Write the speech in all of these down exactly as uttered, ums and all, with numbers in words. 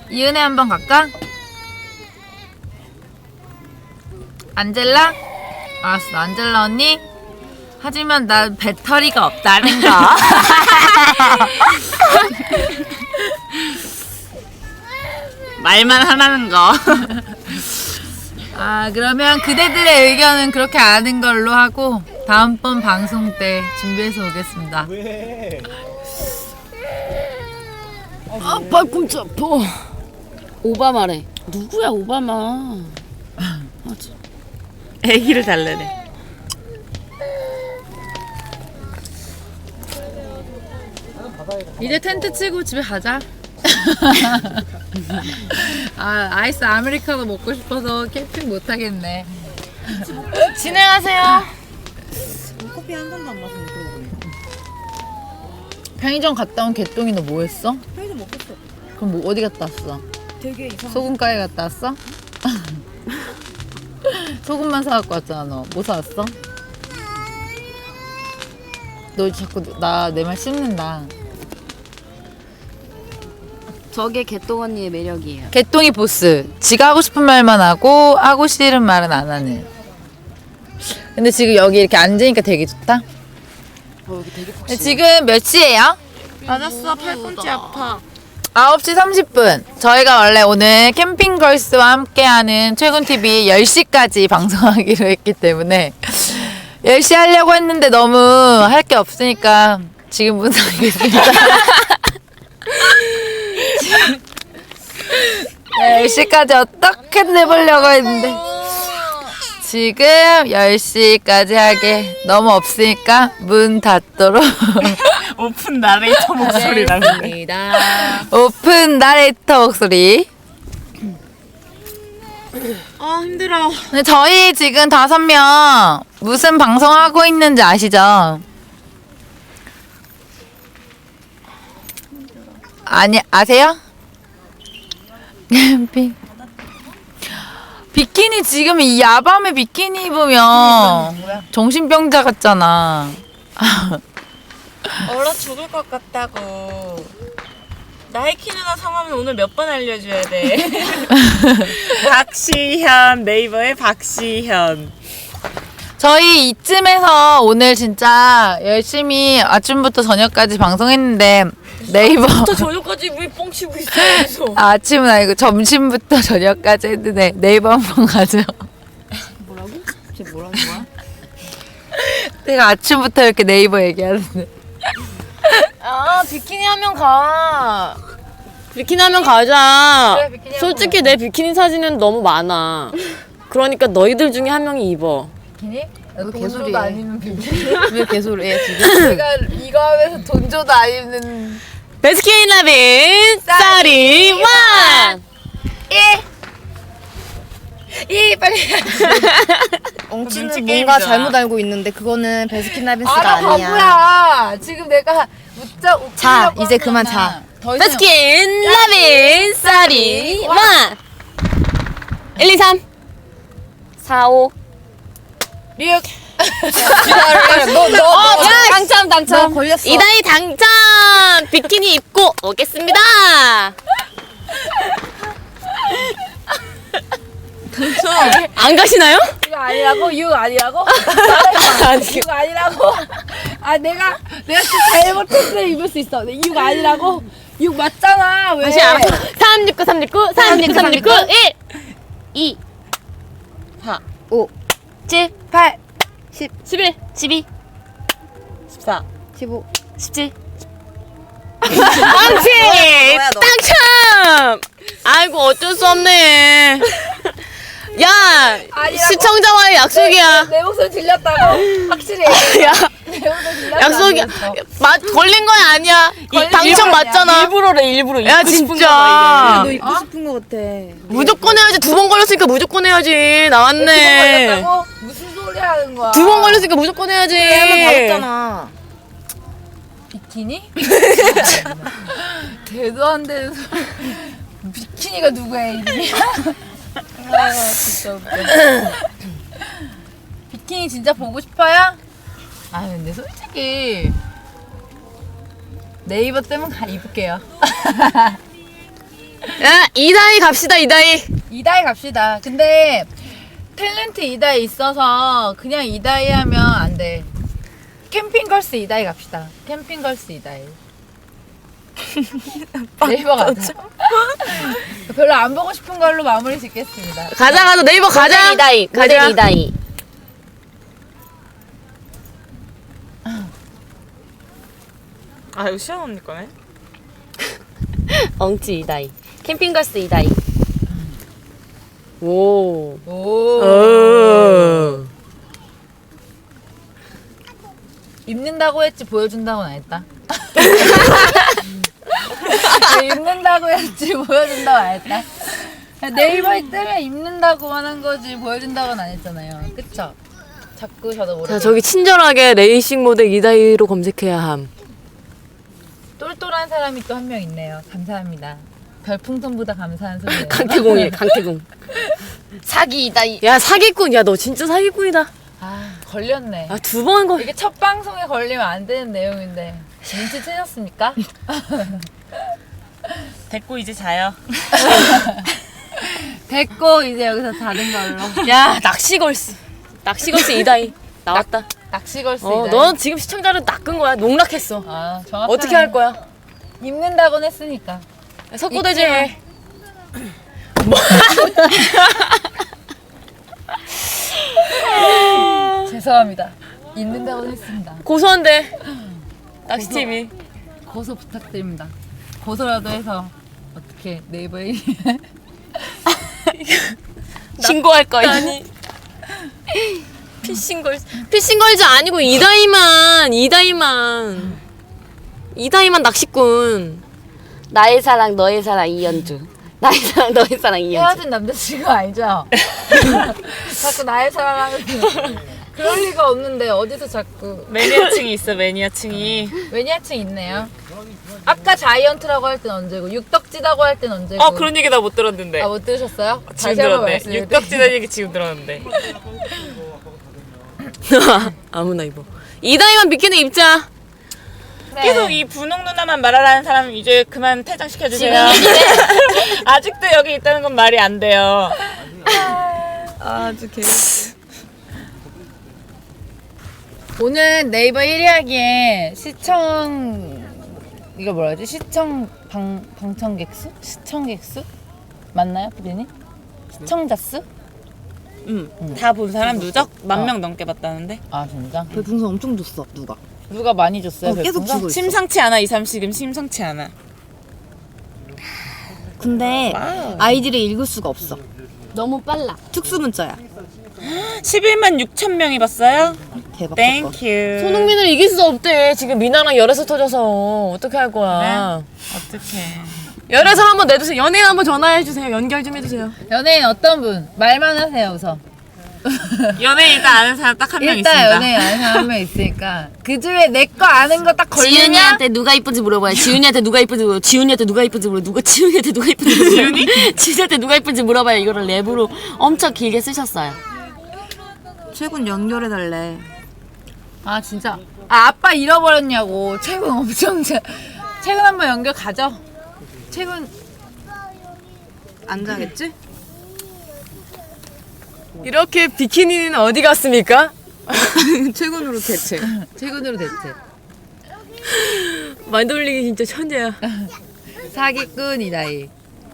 이은혜 한번 갈까? 안젤라? 알았어, 안젤라 언니. 하지만 난 배터리가 없다는 거. 말만 하라는 거. 아, 그러면 그대들의 의견은 그렇게 아는 걸로 하고 다음번 방송 때 준비해서 오겠습니다. 왜? 아, 발꿈치 아파. 오바마래. 누구야, 오바마. 아, 애기를 달래네. 이제 텐트 치고 집에 가자. 아, 아이스 아메리카노 먹고 싶어서 캠핑 못 하겠네. 진행하세요. 커피 한 잔도 안 마시는 그러고 보니. 편의점 갔다 온 개똥이 너 뭐 했어? 편의점 먹겠어. 그럼 뭐 어디 갔다 왔어? 되게 이상. 소금가게 갔다 왔어? 소금만 사갖고 왔잖아. 너 뭐 사왔어? 너 자꾸 나 내 말 씹는다. 저게 개똥 언니의 매력이에요. 개똥이 보스. 지가 하고 싶은 말만 하고 하고 싫은 말은 안 하는. 근데 지금 여기 이렇게 앉으니까 되게 좋다. 어, 여기 되게 근데 지금 몇 시예요? 맞았어, 팔꿈치 아파. 아홉 시 삼십 분. 저희가 원래 오늘 캠핑걸스와 함께하는 최군티비 열 시까지 방송하기로 했기 때문에 열 시 하려고 했는데 너무 할 게 없으니까 지금 문 닫겠습니다. 네, 열 시까지 어떻게 내보려고 했는데 지금 열 시까지 하게 너무 없으니까 문 닫도록 오픈 나레이터 목소리 나는데. 오픈 나레이터 목소리. 아, 힘들어. 근데 저희 지금 다섯 명 무슨 방송하고 있는지 아시죠? 아니, 아세요? 캠핑. 비키니 지금 이 야밤에 비키니 입으면 정신병자 같잖아. 얼어 죽을 것 같다고. 나이키 누나 성함은 오늘 몇 번 알려줘야 돼. 박시현, 네이버의 박시현. 저희 이쯤에서 오늘 진짜 열심히 아침부터 저녁까지 방송했는데 네이버 또 저녁까지 왜 뻥치고 있어? 계속. 아, 아침은 아니고 점심부터 저녁까지 했는데 네이버 한번 가죠. 뭐라고? 쟤 뭐라는 거야? 내가 아침부터 이렇게 네이버 얘기하는데 아 비키니 하면 가. 비키니 하면 가자. 그래, 비키니 솔직히 내 비키니 사진은 너무 많아. 그러니까 너희들 중에 한 명이 입어. 비키니? 너 개소리해. 돈줘도 안 입는 비키니? 왜 개소리해 지금? 내가 이거 하면서 돈 줘도 안 입는 베스킨 라빈 쌀이 완. 이 빨리 엉치는 뭔가 잘못 알고 있는데 그거는 베스킨라빈스가 알아 아니야. 바보야. 지금 내가 웃자 웃기려고 자, 이제 하는 그만 거잖아. 자. 더 이상 베스킨 라빈 쌀이 완. 일, 이, 삼, 사, 오. 리액 너너 어, 당첨 너 당첨. 걸렸어. 이다희 당첨. 비키니 입고 오겠습니다. 안 가시나요? 이거 아니라고? 이거 아니라고? 이거 아니라고? 아 내가 내가 진짜 잘못했어 입을 수 있어. 이거 아니라고? 이거 맞잖아. 왜? 다시 알아. 삼, 육, 구, 삼, 육, 구, 삼, 육, 구, 삼, 육, 구, 일, 이, 사, 오, 칠, 팔, 십, 십일, 십이, 십사, 십오. 십칠. 망치! 뭐야, 너. 당첨! 아이고 어쩔 수 없네. 야, 아니라고. 시청자와의 약속이야. 내 목소리 들렸다고? 확실히. 야, 내 목소리 들렸다고. 약속이야. 맞 걸린 건 아니야. 이 걸린 당첨 거 아니야. 맞잖아. 일부러래 일부러. 야 진짜. 너 입고 싶은 거 같아. 무조건 해야지. 두 번 걸렸으니까 무조건 해야지. 나왔네. 걸렸다고? 무슨 소리 하는 거야? 두 번 걸렸으니까 무조건 해야지. 하면 받았잖아. 비키니? 대도 안 되는 소리. 비키니가 누구야 이름이? 아 진짜 웃겨. 비키니 진짜 보고 싶어요? 아 근데 솔직히 네이버 때문에 가 입을게요. 야, 이다희 갑시다, 이다희. 이다희 갑시다. 근데 탤런트 이다희 있어서 그냥 이다희 하면 안 돼. 캠핑걸스 이다희 갑시다. 캠핑걸스 이다희. 네이버 가자. 별로 안 보고 싶은 걸로 마무리 짓겠습니다. 가자, 가자, 네이버 가자. 모델 이다희, 모델 가자. 이다희. 아 이거 시연 언니 거네. 엉치 이다희. 캠핑걸스 이다희. 오. 오. 어. 입는다고 했지 보여준다고는 안 했다. 입는다고 했지 보여준다고 안 했다. 네이버에 뜨면 입는다고만 한 거지 보여준다고는 안 했잖아요. 그쵸? 자꾸 저도 모르게 자, 저기 친절하게 레이싱 모델 이다희로 검색해야 함. 똘똘한 사람이 또 한 명 있네요. 감사합니다. 별풍선보다 감사한 소리예요. 강태공이래, 강태공. 사기 이다희. 야, 사기꾼. 야, 너 진짜 사기꾼이다. 아 걸렸네. 아, 두 번 걸. 이게 첫 방송에 걸리면 안 되는 내용인데 눈치채셨습니까? 됐고 이제 자요. 됐고 이제 여기서 자는 걸로. 야, 낚시걸스. 낚시걸스 이다희. 나왔다. 낚시걸스. 어, 이다희. 넌 지금 시청자를 낚은 거야. 농락했어. 아 정확하네. 어떻게 할 거야? 입는다고는 했으니까. 석고대제 해. 죄송합니다. 입는다고는 했습니다. 고소한데. 낚시티비. 고소 부탁드립니다. 고소라도 해서 어떻게 네이버에 신고할 거야. 아니. 피싱걸스. 피싱걸즈 아니고 이다희만. 이다희만. 이다희만 낚시꾼. 나의 사랑, 너의 사랑 이연주. 나의 사랑, 너의 사랑 이연주. 헤어진 남자친구 아니죠? 자꾸 나의 사랑하는 그럴 리가 없는데 어디서 자꾸 매니아층이 있어 매니아층이. 매니아층 있네요. 아까 자이언트라고 할 땐 언제고 육덕지다고 할 땐 언제고. 어 그런 얘기 나 못 들었는데. 아 못 들으셨어요? 지금 다시 한번 들었네. 말씀해 육덕지단 얘기 지금 들었는데. 아무나 입어. 이다희만 비키니 입자. 그래. 계속 이 분홍 누나만 말하라는 사람 이제 그만 퇴장시켜 주세요. 아직도 여기 있다는 건 말이 안 돼요. 아주 개. 오늘 네이버 일 위 하기에 시청 이거 뭐라 하지? 시청 방 방청객 수? 시청객 수? 맞나요, 피디님? 시청자 수? 응. 다 본 사람 누적 만 어. 명 넘게 봤다는데. 아 진짜? 별풍선 엄청 줬어 누가. 누가 많이 줬어요? 어, 계속 별풍선? 주고 있어. 심상치 않아 이 삼식은 심상치 않아. 근데 아이디를 읽을 수가 없어. 너무 빨라. 특수 문자야. 십일만 육천 명이 봤어요? 대박. 땡큐. 손흥민을 이길 수 없대. 지금 미나랑 열애서 터져서 어떻게 할 거야? 어떡해. 열애서 한번 내주세요. 연예인 한번 전화해 주세요. 연결 좀 해주세요. 연예인 어떤 분? 말만 하세요 우선. 연예인 일단 아는 사람 딱 한 명 일단 있습니다. 연예인 아는 사람 한 명 있으니까 그 중에 내 거 아는 거 딱 걸리면 지윤이한테 누가 이쁜지 물어봐요. 지윤이한테 누가 이쁜지 물어. 지윤이한테 누가 이쁜지 물어. 누가 지윤이한테 누가 이쁜지 물어. 지윤이? 지윤이한테 누가 이쁜지 물어봐요. 이거를 랩으로 엄청 길게 쓰셨어요. 최군 연결해 달래. 아 진짜 아 아빠 잃어버렸냐고. 최근 엄청 자- 최근 한번 연결 가죠. 최근 안 자겠지? 이렇게 비키니는 어디 갔습니까? 최군으로 대체. 최근으로 대체 말 돌리기 진짜 천재야. 사기꾼이다이.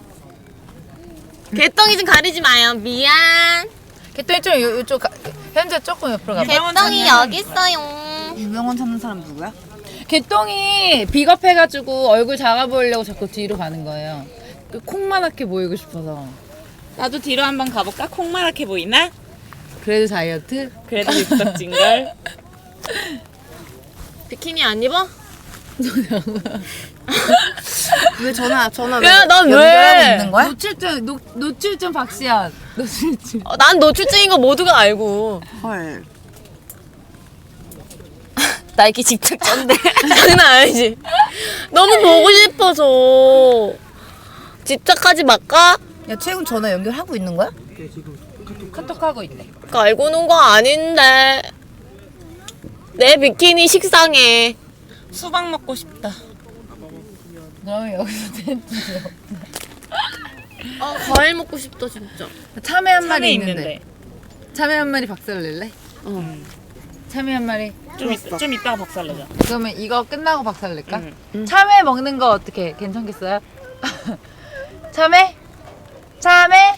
개똥이 좀 가리지 마요. 미안. 개똥이 좀 요, 요쪽 가, 현재 조금 옆으로 가봐. 개똥이 여기 있어요. 유명원 찾는 사람 누구야? 개똥이 비겁해가지고 얼굴 작아 보이려고 자꾸 뒤로 가는 거예요. 그 콩만하게 보이고 싶어서. 나도 뒤로 한번 가볼까? 콩마랗게 보이나? 그래도 다이어트? 그래도 육덕진걸. 비키니 안 입어? 왜 전화 전화 왜 야, 넌 연결하고 왜? 있는 거야? 노출증 노, 노출증 박시연. 노출증. 어, 난 노출증인 거 모두가 알고. 헐. 나이키 집착자인데. 장난 아니지. 너무 보고 싶어서. 집착하지 말까? 야 최군 전화 연결하고 있는 거야? 카톡 하고 있네. 알고 논 거 아닌데. 내 비키니 식상해. 수박 먹고 싶다. 그러면 여기서 텐트. 아 과일 먹고 싶다 진짜. 참외 한 마리 참외 있는데. 있는데. 참외 한 마리 박살낼래? 어. 참외 한 마리. 좀, 있, 좀 이따가 박살내자. 그러면 이거 끝나고 박살낼까? 응. 참외 먹는 거 어떻게 괜찮겠어요? 참외? 참외?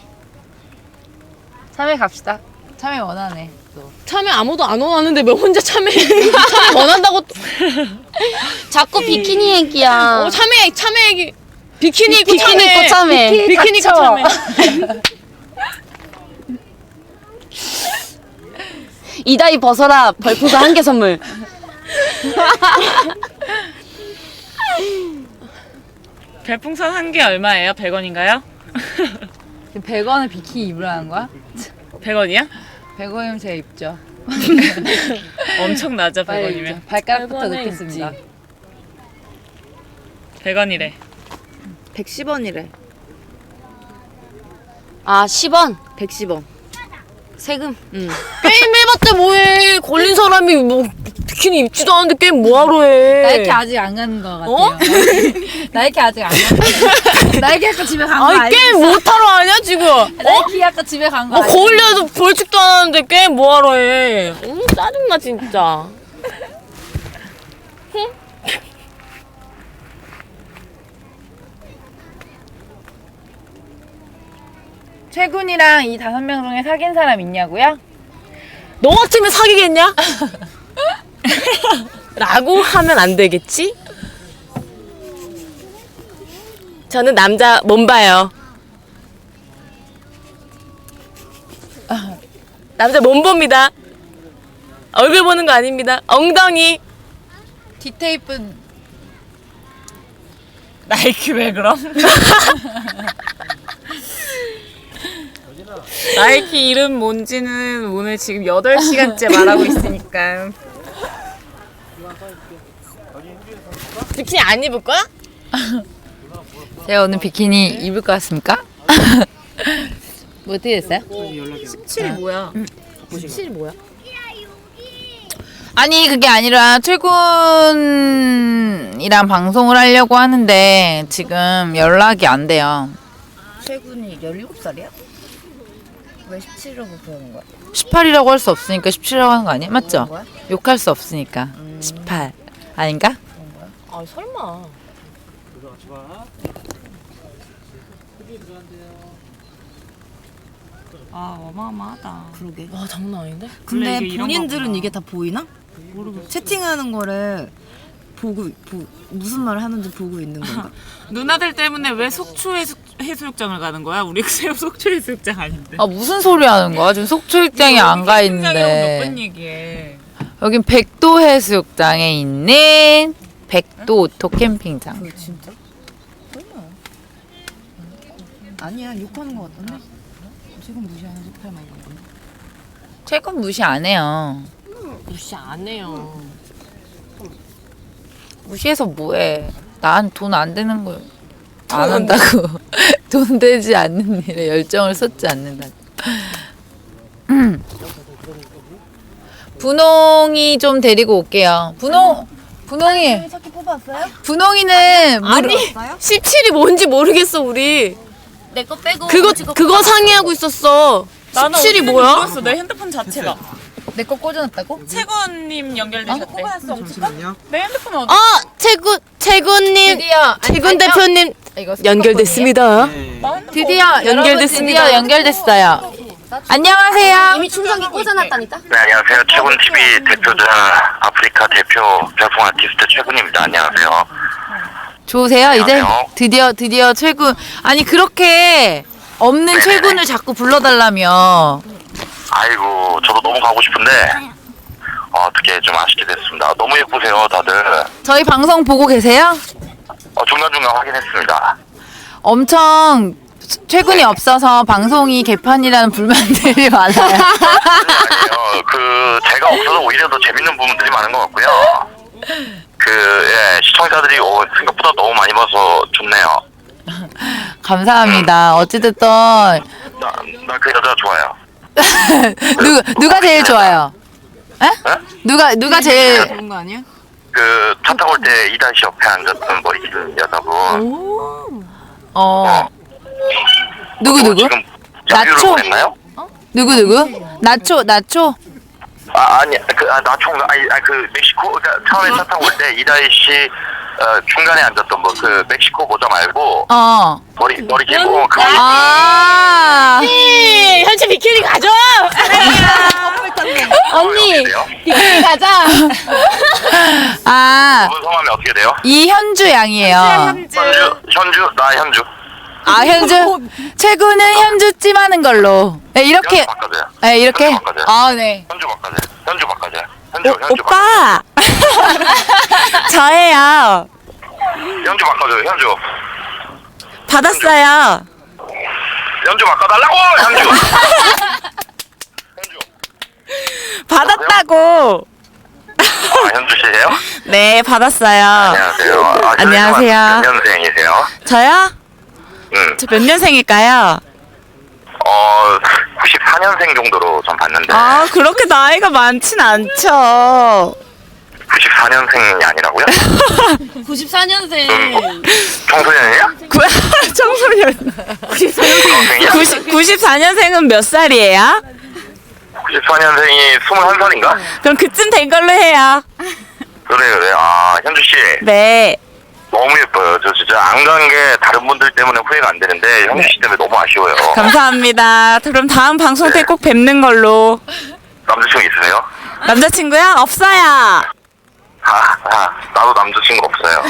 참외 갑시다. 참외 원하네. 또. 참외 아무도 안 원하는데 왜 혼자 참외 참외 원한다고 또- 자꾸 비키니 얘기야. 어 참외 참외 얘기 비키니 입고 비키니 참외 입고 참외. 비키니 입고 닥쳐. 참외 이다이 벗어라. 별풍선 한 개 선물. 별풍선 한 개 얼마예요? 백 원인가요? 지금 백 원을 비키니 입으라는 거야? 백 원이야? 백 원이면 제가 입죠. 엄청 낮아, 백 빨리 원이면. 입죠. 발가락부터 백 원에 넣겠습니다. 백 원이래. 백십 원이래. 아 십 원. 백십 원. 세금. 응. 게임 해봤자 뭐해 걸린 사람이 뭐 비키니 입지도 않는데 게임 뭐하러 해 나이키 아직 안 가는 거 같아요. 어? 나이키 아직 안 가는 나이키 아까 집에 간 거 아니 알지? 게임 못하러 하냐 지금 어? 나이키 아까 집에 간 거 어 알지? 거울려도 벌칙도 안 하는데 게임 뭐하러 해 음, 짜증나 진짜 최군이랑 이 다섯 명 중에 사귄 사람 있냐고요? 너 같으면 사귀겠냐? 라고 하면 안 되겠지? 저는 남자 몸 봐요. 남자 몸 봅니다. 얼굴 보는 거 아닙니다. 엉덩이. 디테이프는 나이키 왜 그럼? 나이키 이름 뭔지는 오늘 지금 여덟 시간째 말하고 있으니까. 비키니 안 입을 거야? 제가 오늘 비키니 입을 것 같습니까? 뭐 어떻게 됐어요? 십칠이 뭐야? 십칠이 뭐야? 아니 그게 아니라 최군이랑 방송을 하려고 하는데 지금 연락이 안 돼요. 최군이 열일곱 살이야? 왜 십칠이라고 그러는 거야? 십팔이라고 할 수 없으니까 십칠이라고 하는 거 아니야? 맞죠? 거야? 욕할 수 없으니까 십팔 아닌가? 아 설마. 아 어마어마하다. 그러게. 와 장난 아닌데? 근데 원래 이게 이런 본인들은 거구나. 이게 다 보이나? 모르겠어. 채팅하는 거를 보고 보, 무슨 말을 하는지 보고 있는 건가? 누나들 때문에 왜 속초 해수, 해수욕장을 가는 거야? 우리 새우 속초 해수욕장 아닌데. 아 무슨 소리 하는 거야? 지금 속초일장에 안 가 몇번 있는데 얘기해. 여긴 백도 해수욕장에 있는 백도 오토 캠핑장. 그 진짜? 설마. 아니야 욕하는 거 같던데? 지금 무시하는 십팔 막 이런 건데. 최근 무시 안 해요. 무시 안 해요. 무시해서 뭐해? 난 돈 안 되는 거 안 한다고. 돈 되지 않는 일에 열정을 쏟지 않는다고. 분홍이 좀 데리고 올게요. 분홍, 분홍이, 찾기 뽑았어요? 분홍이는 아니 십칠이 뭔지 모르겠어 우리. 내 거 빼고. 그거 그거 상의하고 있었어. 나는 십칠이 어떻게 뭐야? 모르겠어. 내 핸드폰 자체가. 내 거 꽂아놨다고? 채권님 연결되셨대. 잠시만요. 내 핸드폰 어디? 어 최군 최군님 드디어 최군 아니, 아니요. 대표님 이거 연결됐습니다. 네. 나 핸드폰 드디어 연결됐습니다. 연결됐습니다. 드디어 연결됐어요. 안녕하세요. 이미 충전기 꽂아놨다니까. 네, 안녕하세요. 최군티비 대표자 아프리카 대표 별풍 아티스트 최군입니다. 안녕하세요. 좋으세요? 이제 안녕하세요. 드디어 드디어 최군. 아니 그렇게 없는 네네네. 최군을 자꾸 불러달라며. 아이고, 저도 너무 가고 싶은데 어, 어떻게 좀 아쉽게 됐습니다. 너무 예쁘세요, 다들. 저희 방송 보고 계세요? 어, 중간중간 확인했습니다. 엄청 최군이 없어서 방송이 개판이라는 불만들이 많아요. 아니요, 그 제가 없어서 오히려 더 재밌는 부분들이 많은 것 같고요. 그 예, 시청자들이 어, 생각보다 너무 많이 봐서 좋네요. 감사합니다. 어찌됐든 나 나 그 여자 좋아요. 누 누가 제일 좋아요? 에? 에? 누가 누가 제일 그런 거 아니야? 그 차 타고 올 때 이다희 씨 옆에 앉았던 머리 긴 여자분. 어 누구, 어, 누구? 지금 야유를 나초? 보냈나요? 누구 누구? 나초 나초? 아 아니 그 아, 나총가 아니, 아니 그 멕시코 그러니까 처음에 차 타고 올 때 이다희 씨 어, 중간에 앉았던 뭐 그 멕시코 모자 말고 어. 머리 머리 길고 그거 아. 네, 현재 비키니 가죠. 언니 돼요? 비키니 가자. 아. 그분 성함이 어떻게 돼요? 이현주 양이에요. 현주 현주 나 현주 아 현주. 최고는 현주찜 하는 걸로. 네, 이렇게. 현주 바꿔줘요. 네, 이렇게. 현주 바꿔줘요. 아 네. 현주 바꿔줘요. 현주 바꿔줘요. 현주 오, 현주 오빠 저예요. 바꿔- 현주 바꿔줘요. 현주 받았어요. 현주 바꿔달라고 현주 현주 받았다고. 아 현주 씨예요? 네, 받았어요. 안녕하세요. 아, 안녕하세요. 몇 년생이세요? 저요? 응. 저 몇 년생일까요? 어 구십사 년생 정도로 전 봤는데 아, 그렇게 나이가 많진 않죠. 구십사 년생이 아니라고요? 구십사 년생. 청소년이야? 구, 청소년. 중학생이야? 구십, 구십사 년생은 몇 살이에요? 구십사 년생이 스물한 살인가? 그럼 그쯤 된 걸로 해요. 그래 그래. 아 현주 씨 네. 너무 예뻐요. 저 진짜 안 간 게 다른 분들 때문에 후회가 안 되는데 현주 씨 때문에 너무 아쉬워요. 감사합니다. 그럼 다음 방송 때 꼭 뵙는 걸로. 남자친구 있으세요? 남자친구요? 없어요. 아, 아 나도 남자친구 없어요.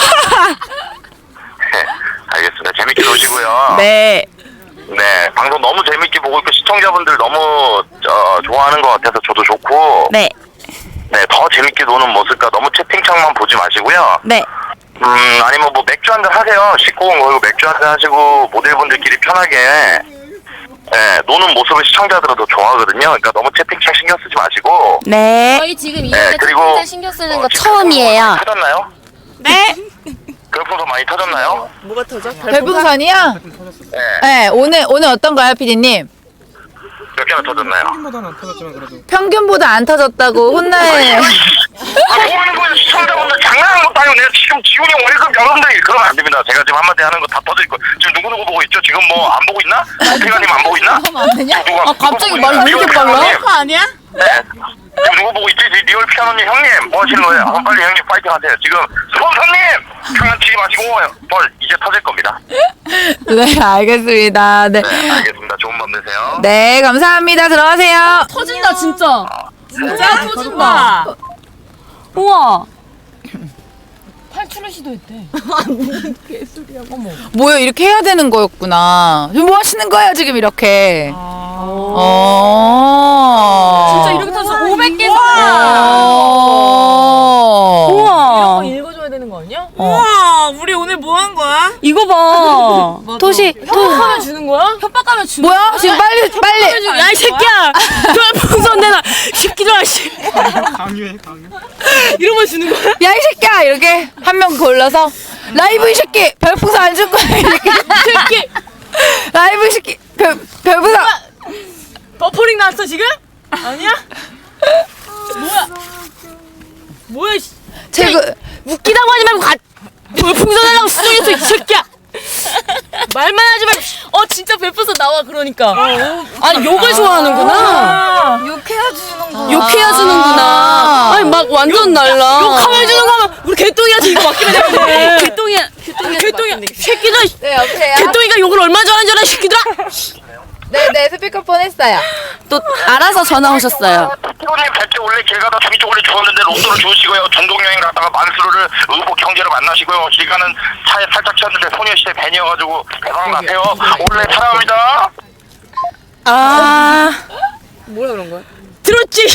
네, 알겠습니다. 재밌게 노시고요. 네. 네, 방송 너무 재밌게 보고 있고 시청자분들 너무 어, 좋아하는 것 같아서 저도 좋고 네. 네, 더 재밌게 노는 모습과 너무 채팅창만 보지 마시고요. 네. 음, 아니면 뭐 맥주 한잔 하세요. 씻고 온 거고 맥주 한잔 하시고 모델분들끼리 편하게 예, 노는 모습을 시청자들은 더 좋아하거든요. 그러니까 너무 채팅창 신경 쓰지 마시고 네. 저희 지금 네, 이번에 그리고 진짜 신경 쓰는 어, 거 지금 처음이에요. 많이 터졌나요? 네. 별풍선 많이 터졌나요? 별풍선이요? 네. 네, 오늘 오늘 어떤가요, 피디님? 몇 개나 터졌나요? 평균보다 안 터졌다고 혼나요. 아, 모르는 거예요. 시청자분들 장난하는 것도 아니고 내가 지금 지훈이 월급 여러분들 그러면 안 됩니다. 제가 지금 한마디 하는 거 다 터질 거. 지금 누구 누구 보고 있죠? 지금 뭐 안 보고 있나? 태가님 안 보고 있나? 누가 아, 갑자기 말이 왜 이렇게 빨라? 그거 아니야? 네. 지금 누구 보고 있지? 리- 리얼 피아노님 형님 뭐 하시는 거예요? 아, 빨리 형님 파이팅 하세요. 지금 스폰서님 장난치지 마시고 벌 이제 터질 겁니다. 네, 알겠습니다. 네. 네, 알겠습니다. 좋은 밤 되세요. 네, 감사합니다. 들어가세요. 터진다 진짜. 진짜 터진다. 우와. 뭐야, 이렇게 해야 되는 거였구나. 지금 뭐 하시는 거예요, 지금 이렇게? 어. 진짜 이렇게 터서 오백 개. 어. 우와. 읽어줘야 되는 거 아니야? 우와, 우리 오늘 뭐 한 거야? 이거 봐. 토시, 토. 하면 주는 거야? 협박하면 주는 뭐야? 지금 빨리, 빨리. 야, 이 새끼야! 별풍선 내놔! 새끼들아, 씨! 강요해 강요. 이런 거 주는 거야? 야, 이 새끼야! 이렇게 한 명 골라서. 라이브 이 새끼! 별풍선 안 줄 거야, 이렇게. 새끼 라이브 이 새끼! 별, 별풍선! 버퍼링 나왔어 지금? 아니야? 뭐야? 뭐야? 씨. 최고. 웃기다고 하지 말고 가. 별풍선 하려고 수정했어 이 새끼야. 말만 하지 말고. 어 진짜 별풍선 나와 그러니까. 아니 욕을 좋아하는구나. 욕해야 주는 거. 욕해야 주는구나. 아니 막 완전 날라. 욕하면 주는 거면 우리 개똥이한테 이거 맡기면 되는데. 개똥이야. 개똥이야. 개똥이야. 새끼들. 네, 여보세요? 개똥이가 욕을 얼마나 잘하는 줄 알아 새끼들아. 네, 네, 스피커폰 했어요. 또 알아서 전화 오셨어요. 피고님 뵐때 원래 길 가다 중이 쪽으로 좋았는데 롱도로 좋으시고요. 전동여행 갔다가 만수르를 의복 형제를 만나시고요. 길 가는 차에 살짝 치웠는데 소녀시대 벤이어가지고 대박 나세요. 원래 사랑합니다. 아. 들었지?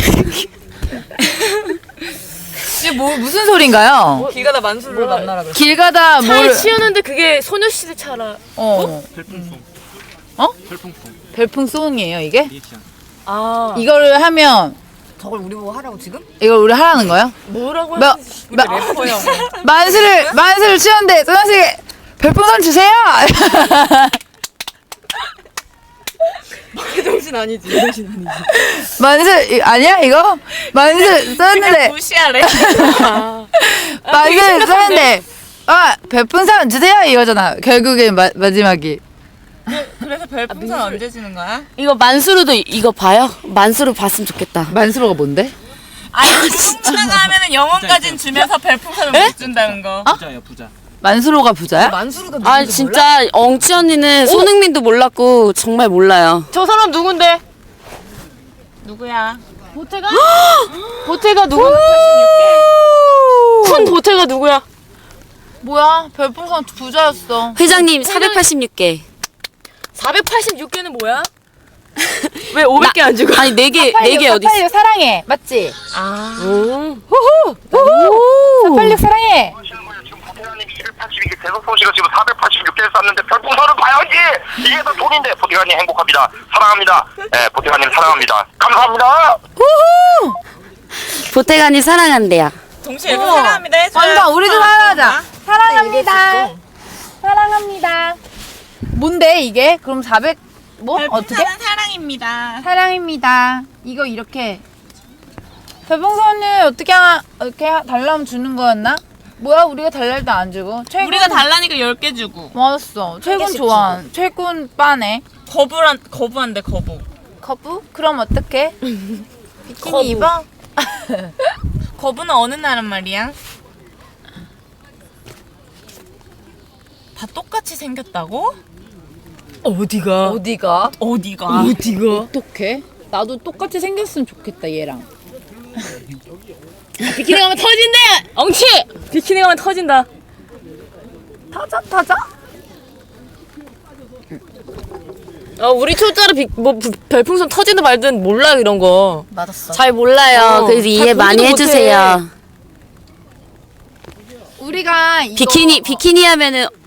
이게 뭐, 무슨 소린가요? 길 가다 만수를 만나라 그래. 길 가다 차에 뭘. 치우는데 그게 소녀시대 차라. 어. 별풍송. 어? 별풍송. 별풍송이에요, 이게? 리액션. 아 이거를 하면, 저걸 우리 보고 하라고 지금? 이걸 우리 하라는 거예요? 뭐라고 몇, 몇, 만수를, 만수를 치웠는데, 소녀씨, 별풍선 주세요! 정신 아니지. 정신 아니지. 만수, 이- 아니야, 이거? 만수 썼는데, 무시하래. 만수 썼는데, 아, 별풍선 주세요! 이거잖아. 결국엔 마, 마지막이. 그래서 별풍선 언제 주는 거야? 이거 만수르도 이- 이거 봐요? 만수르 봤으면 좋겠다. 만수로가 뭔데? 아니 똥누나가 하면은 영혼까진 주면서 별풍선을 못 준다는 거. 부자야 부자. 만수로가 부자야? 만수르가 아 진짜 엉치 언니는 손흥민도 몰랐고 정말 몰라요. 저 사람 누군데? 누구야? 보태가? 보태가 누구? 팔십육 큰 보태가 누구야? 뭐야? 별풍선 부자였어. 회장님 사백팔십육 개. 사백팔십육 개는 뭐야? 왜 오백 개 안 주고? 아니 네 개 네 개 어디 있어? 사팔육 사랑해. 맞지? 아. 사팔육 사랑해. 하시는 거예요. 지금 보태가님이 이백팔십이 개 대서송 씨가 지금 사백팔십육 개를 쐈는데 별풍선을 봐야지. 이게 더 돈인데 보태가님 행복합니다. 사랑합니다. 네, 보태가님 사랑합니다. 감사합니다. 보태관이 사랑한대요. 동시에 일본 사랑합니다 해줘요. 완전 우리도 사랑하자. 사랑합니다. 사랑합니다. 뭔데 이게? 그럼 사백 뭐 어떻게? 별풍선은 사랑입니다. 사랑입니다. 이거 이렇게 별풍선을 어떻게 하나 이렇게 하- 달라면 주는 거였나? 뭐야 우리가 달랄 때 안 주고 최군 우리가 달라니까 열 개 주고. 맞았어. 최군 좋아. 최군 빠네. 거부란 거부한대 거부. 거부? 그럼 어떡해? 비키니 입어? 거부는 어느 나란 말이야? 다 똑같이 생겼다고? 어디가? 어디가? 어디가? 어디가? 어떡해? 나도 똑같이 생겼으면 좋겠다 얘랑. 비키니 가면 터진대! 엉치! 비키니 가면 터진다. 타자 타자? 어, 우리 초짜로 비, 뭐 부- 별풍선 터지든 말든 몰라 이런 거. 맞았어. 잘 몰라요. 어, 그래서 이해 잘 많이 보지도 해주세요. 우리가 이거 비키니 비키니 하면은